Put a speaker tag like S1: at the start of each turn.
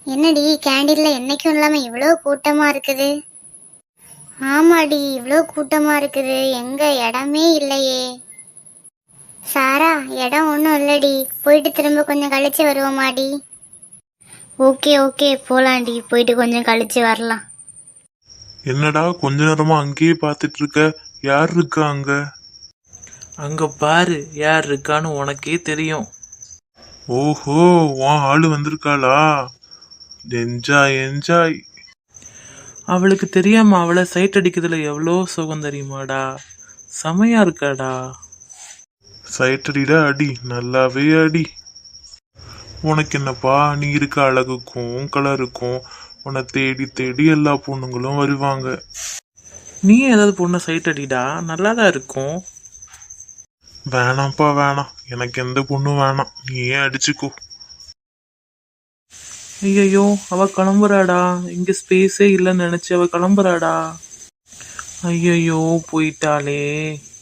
S1: என்னடி கேண்டீன்ல என்னைக்கும் இல்லாம இவ்வளோ கூட்டமா இருக்குது? ஆமாடி, இவ்வளோ கூட்டமா இருக்குது. எங்க இடமே இல்லையே. சாரா, இடம் ஒன்றும் இல்லடி, போயிட்டு திரும்ப கொஞ்சம் கழிச்சு வருவோமாடி? ஓகே ஓகே, போலாண்டி, போயிட்டு கொஞ்சம் கழிச்சு வரலாம்.
S2: என்னடா கொஞ்ச நேரமா அங்கேயே பார்த்துட்டு இருக்க? யார் இருக்கா அங்க?
S3: அங்க பாரு யார் இருக்கான்னு உனக்கே தெரியும்.
S2: ஓஹோ, உன் ஆளு வந்திருக்காளா? Enjoy enjoy.
S3: அவளுக்கு தெரியாம அவளை சைட் அடிக்கிறதுல எவ்வளோ சுகம் தெரியுமாடா. செமையா இருக்காடா.
S2: சைட்டடிடா, அடி, நல்லாவே அடி. உனக்கு என்னப்பா, நீ இருக்க அழகுக்கும் கலருக்கும் உன்னை தேடி தேடி எல்லா பொண்ணுங்களும் வருவாங்க.
S3: நீ ஏதாவது பொண்ணை சைட் அடிடா, நல்லாதான் இருக்கும்.
S2: வேணாம்ப்பா வேணாம், எனக்கு எந்த பொண்ணும் வேணாம், நீயே அடிச்சுக்கோ.
S3: ஐயோ, அவ கிளம்புறாடா. இங்க ஸ்பேஸே இல்லைன்னு நினைச்சு அவ கிளம்புறாடா. ஐயோ, போயிட்டாளே.